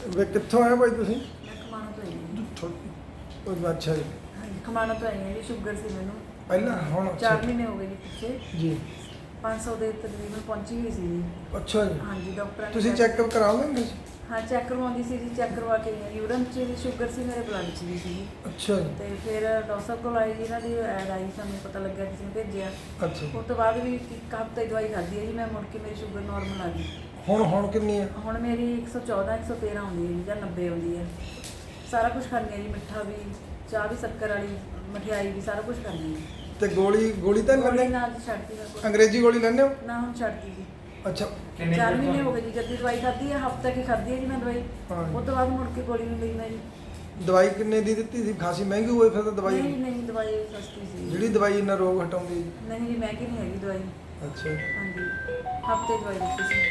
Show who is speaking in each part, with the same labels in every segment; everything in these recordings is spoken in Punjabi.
Speaker 1: ਵੇ ਕਿੱਥੋਂ ਆਏ ਭਾਈ ਤੁਸੀਂ?
Speaker 2: ਮੈਂ ਖਮਾਣੋਂ ਤੋਂ ਆਈ ਹਾਂ ਜੀ।
Speaker 1: ਉਹ ਅੱਛਾ ਜੀ।
Speaker 2: ਹਾਂਜੀ ਖਮਾਣੋਂ ਤੋਂ ਆਈ ਹਾਂ ਜੀ। ਸ਼ੂਗਰ ਸੀ ਮੈਨੂੰ
Speaker 1: ਪਹਿਲਾਂ ਹੁਣ
Speaker 2: 4 ਮਹੀਨੇ ਹੋ ਗਏ ਜੀ ਪਿੱਛੇ।
Speaker 1: ਜੀ
Speaker 2: 500 ਦੇ ਤਕਰੀਬਨ ਪਹੁੰਚੀ ਹੋਈ ਸੀ ਜੀ।
Speaker 1: ਅੱਛਾ ਜੀ।
Speaker 2: ਹਾਂਜੀ ਡਾਕਟਰਾਂ ਨੇ
Speaker 1: ਤੁਸੀਂ ਚੈੱਕਅਪ ਕਰਾ ਲੈਂਦੇ ਸੀ?
Speaker 2: ਹਾਂ ਚੈੱਕ ਕਰਵਾਉਂਦੀ ਸੀ ਜੀ। ਚੈੱਕ ਕਰਵਾ ਕੇ ਆਈ ਹਾਂ। ਯੂਰਨ 'ਚ ਵੀ ਸ਼ੂਗਰ ਸੀ, ਮੇਰੇ ਬਲੱਡ 'ਚ ਵੀ ਸੀ।
Speaker 1: ਅੱਛਾ ਜੀ।
Speaker 2: ਤੇ ਫਿਰ ਡਾਕਟਰ ਸਾਹਿਬ ਕੋਲ ਆਈ ਜੀ, ਇਹਨਾਂ ਦੀ ਐਡ ਆਈ, ਸਾਨੂੰ ਪਤਾ ਲੱਗਿਆ ਕਿਸੇ ਨੇ ਭੇਜਿਆ।
Speaker 1: ਅੱਛਾ
Speaker 2: ਉਸ ਤੋਂ ਬਾਅਦ ਵੀ ਇੱਕ ਹਫ਼ਤੇ ਦਵਾਈ ਖਾਧੀ ਹੈ ਜੀ ਮੈਂ, ਮੁੜ ਕੇ ਮੇਰੀ ਸ਼ੂਗਰ ਨਾਰਮਲ ਆ ਗਈ।
Speaker 1: ਹੁਣ ਕਿੰਨੀ ਹੈ?
Speaker 2: ਹੁਣ ਮੇਰੀ 114 113 ਆਉਂਦੀ ਹੈ ਜੀ, ਜਾਂ 90 ਆਉਂਦੀ ਹੈ। ਸਾਰਾ ਕੁਝ ਖਾਂਦੀ ਹਾਂ ਜੀ, ਮਿੱਠਾ ਵੀ, ਚਾਹ ਵੀ, ਸ਼ੱਕਰ ਵਾਲੀ, ਮਠਿਆਈ ਵੀ, ਸਾਰਾ ਕੁਝ ਖਾਂਦੀ ਹਾਂ।
Speaker 1: ਤੇ ਗੋਲੀ ਤਾਂ ਨਹੀਂ
Speaker 2: ਗੋਲੀ
Speaker 1: ਲੈਂਦੇ?
Speaker 2: ਨਾਲ ਜੀ ਛੱਡਤੀ ਮੈਂ ਕੋਈ।
Speaker 1: ਅੰਗਰੇਜ਼ੀ ਗੋਲੀ ਲੈਂਦੇ ਹੋ?
Speaker 2: ਨਾ ਹੁਣ ਛੱਡਤੀ ਜੀ।
Speaker 1: ਅੱਛਾ
Speaker 2: 4 ਮਹੀਨੇ ਹੋ ਗਏ ਜੀ ਜਦ ਦੀ ਦਵਾਈ ਖਾਧੀ ਹੈ। ਹਫ਼ਤਾ ਕੀ ਖਾਧੀ ਹੈ ਜੀ ਮੈਂ ਦਵਾਈ।
Speaker 1: ਹਾਂ।
Speaker 2: ਉਸ ਤੋਂ ਬਾਅਦ ਮੁੜ ਕੇ ਗੋਲੀ ਨਹੀਂ ਲਈ ਮੈਂ ਜੀ।
Speaker 1: ਦਵਾਈ ਕਿੰਨੇ ਦੀ ਦਿੱਤੀ ਸੀ? ਖਾਸੀ ਮਹਿੰਗੀ ਹੋਈ ਫਿਰ ਤਾਂ ਦਵਾਈ।
Speaker 2: ਨਹੀਂ ਦਵਾਈ ਸਸਤੀ ਸੀ।
Speaker 1: ਜਿਹੜੀ ਦਵਾਈ ਇਹਨਾਂ ਰੋਗ ਹਟਾਉਂਦੀ ਹੈ?
Speaker 2: ਨਹੀਂ ਜੀ ਮਹਿੰਗੀ ਨਹੀਂ ਹੈਗੀ ਦਵਾਈ।
Speaker 1: ਅੱਛਾ
Speaker 2: ਹਾਂਜੀ ਹਫ਼ਤੇ ਦਵਾਈ ਦਿੱਤੀ ਸੀ।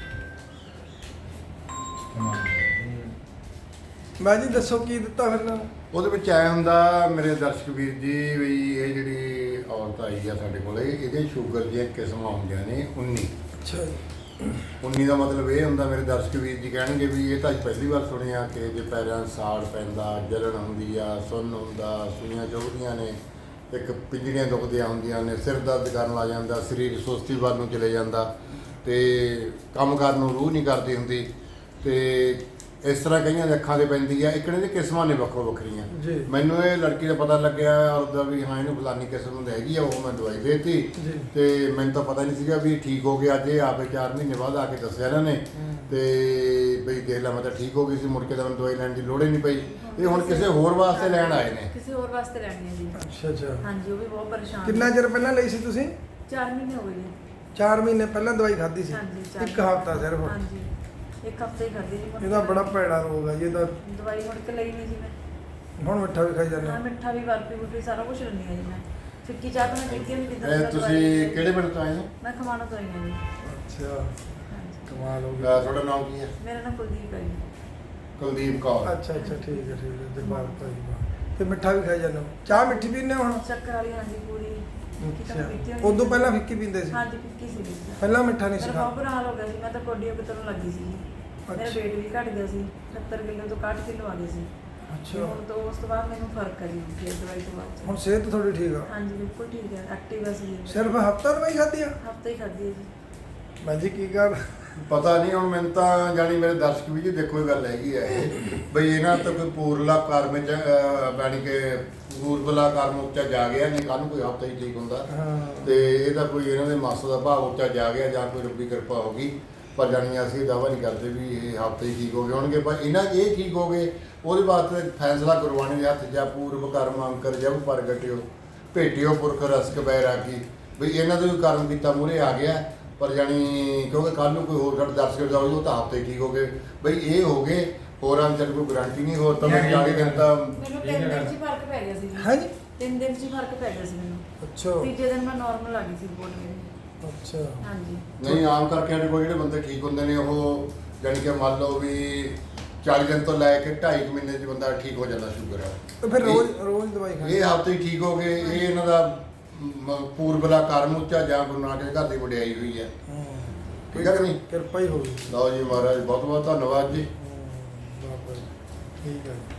Speaker 1: ਮੈਂ ਜੀ ਦੱਸੋ ਕੀ ਦਿੱਤਾ ਫਿਰ ਨਾਲ?
Speaker 3: ਉਹਦੇ ਵਿੱਚ ਆਇਆ ਹੁੰਦਾ ਮੇਰੇ ਦਰਸ਼ਕ ਵੀਰ ਜੀ ਵੀ ਇਹ ਜਿਹੜੀ ਔਰਤ ਆਈ ਆ ਸਾਡੇ ਕੋਲੇ, ਇਹਦੇ ਸ਼ੂਗਰ ਦੀਆਂ ਕਿਸਮਾਂ ਹੁੰਦੀਆਂ ਨੇ 19।
Speaker 1: ਅੱਛਾ ਜੀ।
Speaker 3: 19 ਦਾ ਮਤਲਬ ਇਹ ਹੁੰਦਾ, ਮੇਰੇ ਦਰਸ਼ਕ ਵੀਰ ਜੀ ਕਹਿਣਗੇ ਵੀ ਇਹ ਤਾਂ ਅੱਜ ਪਹਿਲੀ ਵਾਰ ਸੁਣਿਆ ਕਿ ਜੇ ਪੈਰਾਂ 'ਚ ਸਾੜ ਪੈਂਦਾ, ਜਲਣ ਹੁੰਦੀ ਆ, ਸੁੰਨ ਹੁੰਦਾ, ਸੂਈਆਂ ਚੁਭਦੀਆਂ ਨੇ, ਇੱਕ ਪਿੰਜੜੀਆਂ ਦੁਖਦੀਆਂ ਹੁੰਦੀਆਂ ਨੇ, ਸਿਰ ਦਰਦ ਕਰਨ ਲੱਗ ਜਾਂਦਾ, ਸਰੀਰ ਸੁਸਤੀ ਵੱਲ ਨੂੰ ਚਲੇ ਜਾਂਦਾ ਤੇ ਕੰਮ ਕਰਨ ਨੂੰ ਰੂਹ ਨਹੀਂ ਕਰਦੀ ਹੁੰਦੀ ਤੇ ਇਸ ਤਰ੍ਹਾਂ ਕਈਆਂ ਦੇ ਅੱਖਾਂ 'ਤੇ ਪੈਂਦੀ ਆ। ਇੱਕ ਇਹਦੀ ਕਿਸਮਾਂ ਨੇ ਵੱਖੋ ਵੱਖਰੀਆਂ।
Speaker 1: ਜੀ।
Speaker 3: ਮੈਨੂੰ ਇਹ ਲੜਕੀ ਦਾ ਪਤਾ ਲੱਗਿਆ ਉਹਦਾ ਵੀ ਹਾਂ ਇਹਨੂੰ ਫਲਾਨੀ ਕਿਸਮ ਦੀ ਹੈਗੀ ਆ, ਉਹ ਮੈਂ ਦਵਾਈ ਦੇਤੀ
Speaker 1: ਜੀ।
Speaker 3: ਤੇ ਮੈਨੂੰ ਤਾਂ ਪਤਾ ਨਹੀਂ ਸੀਗਾ ਵੀ ਠੀਕ ਹੋ ਗਿਆ। ਅੱਜ ਇਹ ਆਪੇ 4 ਮਹੀਨੇ ਬਾਅਦ ਆ ਕੇ ਦੱਸਿਆ ਇਹਨਾਂ ਨੇ ਤੇ ਬਈ ਦੇਖ ਲਾ ਮੈਂ ਤਾਂ ਠੀਕ ਹੋ ਗਈ ਸੀ, ਮੁੜ ਕੇ ਤਾਂ ਮੈਨੂੰ ਦਵਾਈ ਲੈਣ ਦੀ ਲੋੜ ਹੀ ਨਹੀਂ ਪਈ। ਇਹ ਹੁਣ ਕਿਸੇ ਹੋਰ ਵਾਸਤੇ ਲੈਣ ਆਏ ਨੇ।
Speaker 2: ਕਿਸੇ ਹੋਰ ਵਾਸਤੇ ਲੈਣੀ ਹੈ ਜੀ।
Speaker 1: ਅੱਛਾ
Speaker 2: ਹਾਂਜੀ ਉਹ ਵੀ ਬਹੁਤ ਪਰੇਸ਼ਾਨ।
Speaker 1: ਕਿੰਨਾ ਚਿਰ ਪਹਿਲਾਂ ਲਈ ਸੀ ਤੁਸੀਂ?
Speaker 2: 4 ਮਹੀਨੇ ਹੋ ਗਏ ਜੀ।
Speaker 1: 4 ਮਹੀਨੇ ਪਹਿਲਾਂ ਦਵਾਈ ਖਾਧੀ ਸੀ?
Speaker 2: ਹਾਂਜੀ
Speaker 1: ਇੱਕ ਹਫ਼ਤਾ ਸਿਰਫ?
Speaker 2: ਹਾਂਜੀ ਇੱਕ ਹਫ਼ਤਾ ਹੀ ਖਾਧੀ ਜੀ।
Speaker 1: ਇਹਦਾ ਬੜਾ ਭੈੜਾ ਰੋਗ ਹੈ ਜੀ ਇਹਦਾ।
Speaker 2: ਦਵਾਈ ਮੁੜ ਕੇ ਲਈ ਨਹੀਂ ਜੀ ਮੈਂ।
Speaker 1: ਹੁਣ ਮਿੱਠਾ ਵੀ ਖਾਈ ਜਾਂਦੇ
Speaker 2: ਹਾਂ
Speaker 1: ਹੋ?
Speaker 2: ਮਿੱਠਾ ਵੀ, ਬਰਫੀ ਬੁਰਫੀ ਸਾਰਾ ਕੁਝ ਲੈਂਦੀ ਹਾਂ ਜੀ ਮੈਂ। ਫਿੱਕੀ ਚਾਹ ਤਾਂ ਮੈਂ ਪੀਤੀ ਨਹੀਂ ਜਿੱਦਾਂ
Speaker 3: ਇਹ ਤੁਸੀਂ ਕਿਹੜੇ ਪਿੰਡ ਤੋਂ ਆਏ ਹੋ?
Speaker 2: ਮੈਂ ਖਮਾਣੋਂ ਤੋਂ ਆਈ ਹਾਂ ਜੀ।
Speaker 1: ਅੱਛਾ
Speaker 2: ਹਾਂਜੀ
Speaker 1: ਕਮਾਲ ਹੋ ਗਿਆ।
Speaker 3: ਤੁਹਾਡਾ ਨਾਮ ਕੀ ਹੈ?
Speaker 2: ਮੇਰਾ ਨਾਮ ਕੁਲਦੀਪ ਹੈ ਜੀ।
Speaker 3: ਕੁਲਦੀਪ ਕੌਰ।
Speaker 1: ਅੱਛਾ ਠੀਕ ਹੈ ਜਗਬਾਲ ਭਾਈ ਵਾਹ। ਤੇ ਮਿੱਠਾ ਵੀ ਖਾਈ ਜਾਂਦੇ ਹੋ? ਚਾਹ ਮਿੱਠੀ ਪੀਂਦੇ ਹੋ ਹੁਣ?
Speaker 2: ਸ਼ੱਕਰ ਵਾਲੀ ਹਾਂਜੀ ਪੂਰੀ।
Speaker 1: ਅੱਛਾ ਉਦੋਂ ਪਹਿਲਾਂ ਫਿੱਕੀ ਪੀਂਦੇ ਸੀ?
Speaker 2: ਹਾਂਜੀ ਫਿੱਕੀ ਸੀ ਜੀ।
Speaker 1: ਪਹਿਲਾਂ ਮਿੱਠਾ ਨਹੀਂ ਸੀ
Speaker 2: ਮੇਰਾ ਬਹੁਤ
Speaker 1: ਖਾਂਦੇ?
Speaker 2: ਬੁਰਾ ਹਾਲ ਹੋ ਗਿਆ ਸੀ। ਮੈਂ ਤਾਂ ਕੋਡੀਓ ਕਿਤੋਂ ਲੱਗੀ ਸੀ ਜੀ। ਮੇਰਾ
Speaker 1: ਅੱਛਾ।
Speaker 2: weight ਵੀ ਘਟ ਗਿਆ ਸੀ। 70 ਕਿਲੋ ਤੋਂ 61 ਕਿਲੋ ਆ ਗਏ ਸੀ।
Speaker 1: ਅੱਛਾ
Speaker 2: ਹੁਣ ਤੋਂ ਉਸ ਤੋਂ ਬਾਅਦ ਮੈਨੂੰ ਫਰਕ ਹੈ ਜੀ ਫਿਰ ਦਵਾਈ ਤੋਂ ਬਾਅਦ।
Speaker 1: ਹੁਣ ਸਿਹਤ ਥੋੜੀ ਠੀਕ ਆ?
Speaker 2: ਹਾਂਜੀ ਬਿਲਕੁਲ ਠੀਕ ਹੈ, ਐਕਟਿਵ ਹੈ ਸੀ।
Speaker 1: ਸਿਰਫ ਹਫ਼ਤਾ ਦਵਾਈ ਖਾਧੀ ਆ?
Speaker 2: ਹਫ਼ਤਾ ਹੀ ਖਾਧੀ ਹੈ ਜੀ।
Speaker 1: ਮੈਂ ਜੀ ਕੀ ਕਰ
Speaker 3: ਪਤਾ ਨਹੀਂ ਹੁਣ ਮੈਨੂੰ ਤਾਂ ਜਾਣੀ ਮੇਰੇ ਦਰਸ਼ਕ ਵੀ ਜੀ ਦੇਖੋ ਇਹ ਗੱਲ ਹੈਗੀ ਆ ਇਹ ਬਈ ਇਹਨਾਂ ਤੋਂ ਕੋਈ ਪੂਰਲਾ ਕਰਮ ਚ ਬਾਣੀ ਕੇ ਪੂਰਬਲਾ ਕਰਮ ਉੱਚਾ ਜਾ ਗਿਆ ਨਹੀਂ, ਕੱਲ ਨੂੰ ਕੋਈ ਹਫ਼ਤਾ ਹੀ ਠੀਕ ਹੁੰਦਾ ਤੇ ਇਹ ਤਾਂ ਕੋਈ ਇਹਨਾਂ ਦੇ ਮਾਸਾ ਦਾ ਭਾਵ ਉੱਚਾ ਜਾ ਗਿਆ ਜਾਂ ਕੋਈ ਰੱਬੀ ਕਿਰਪਾ ਹੋ ਗਈ। ਪਰ ਜਾਣੀ ਅਸੀਂ ਦਾਅਵਾ ਨਹੀਂ ਕਰਦੇ ਵੀ ਇਹ ਹਫ਼ਤੇ ਹੀ ਠੀਕ ਹੋ ਗਏ ਹੋਣਗੇ, ਪਰ ਇਹਨਾਂ ਇਹ ਠੀਕ ਹੋ ਗਏ ਉਹਦੇ ਵਾਸਤੇ ਫੈਸਲਾ ਗੁਰਬਾਣੀ ਦੇ ਹੱਥ ਜਾ ਪੂਰਬ ਕਰਮ ਅੰਕਰ ਜਬ ਪ੍ਰਗਟਿਓ ਭੇਟਿਓ ਪੁਰਖ ਰਸਕ ਬੈਰਾਗੀ ਬਈ ਇਹਨਾਂ ਦੇ ਵੀ ਕਰਮ ਕੀਤਾ ਮੂਹਰੇ ਆ ਗਿਆ। ਪਰ ਜਾਣੀ ਕਿਉਂਕਿ ਕੱਲ੍ਹ ਨੂੰ ਕੋਈ ਹੋਰ ਸਾਡੇ ਦਰਸ਼ਕ ਦਾ ਹੋਈ ਉਹ ਤਾਂ ਹਫ਼ਤੇ ਠੀਕ ਹੋ ਗਏ ਬਈ ਇਹ ਹੋ ਗਏ, ਹੋਰਾਂ ਚ ਕੋਈ ਗਰੰਟੀ ਨਹੀਂ। ਹੋਰ ਤਾਂ ਮੈਨੂੰ 40 ਦਿਨ ਤਾਂ
Speaker 2: ਮੈਨੂੰ 3 ਦਿਨ 'ਚ ਹੀ ਫਰਕ ਪੈ ਗਿਆ ਸੀ ਜੀ।
Speaker 1: ਹਾਂਜੀ
Speaker 2: 3 ਦਿਨ 'ਚ ਹੀ ਫਰਕ ਪੈ ਗਿਆ ਸੀ ਮੈਨੂੰ।
Speaker 1: ਅੱਛਾ
Speaker 2: ਤੀਜੇ ਦਿਨ ਮੈਂ ਨਾਰਮਲ ਆ ਗਈ ਸੀ ਰਿਪੋਰਟ ਮੇਰੀ।
Speaker 1: ਅੱਛਾ
Speaker 2: ਹਾਂਜੀ
Speaker 3: ਨਹੀਂ ਆਮ ਕਰਕੇ ਸਾਡੇ ਕੋਲ ਜਿਹੜੇ ਬੰਦੇ ਠੀਕ ਹੁੰਦੇ ਨੇ ਉਹ ਜਾਣੀ ਕਿ ਮੰਨ ਲਓ ਵੀ 40 ਦਿਨ ਤੋਂ ਲੈ ਕੇ 2.5 ਮਹੀਨੇ 'ਚ ਬੰਦਾ ਠੀਕ ਹੋ ਜਾਂਦਾ ਸ਼ੂਗਰ ਆ।
Speaker 1: ਤੇ ਫਿਰ ਰੋਜ਼ ਦਵਾਈ ਖਾਣੀ?
Speaker 3: ਇਹ ਹਫ਼ਤੇ ਹੀ ਠੀਕ ਹੋ ਗਏ। ਇਹ ਇਹਨਾਂ ਦਾ ਪੂਰਬਲਾ ਕਰਮ ਉੱਚਾ ਜਾਂ ਗੁਰੂ ਨਾਨਕ ਦੇ ਘਰ ਦੀ ਵਡਿਆਈ ਹੋਈ ਹੈ। ਠੀਕ ਹੈ ਕਿ ਨਹੀਂ?
Speaker 1: ਕਿਰਪਾ ਹੀ ਹੋ ਗਈ।
Speaker 3: ਲਓ ਜੀ ਮਹਾਰਾਜ ਬਹੁਤ ਬਹੁਤ ਧੰਨਵਾਦ ਜੀ।
Speaker 1: ਬਾਬਾ ਜੀ ਠੀਕ ਹੈ।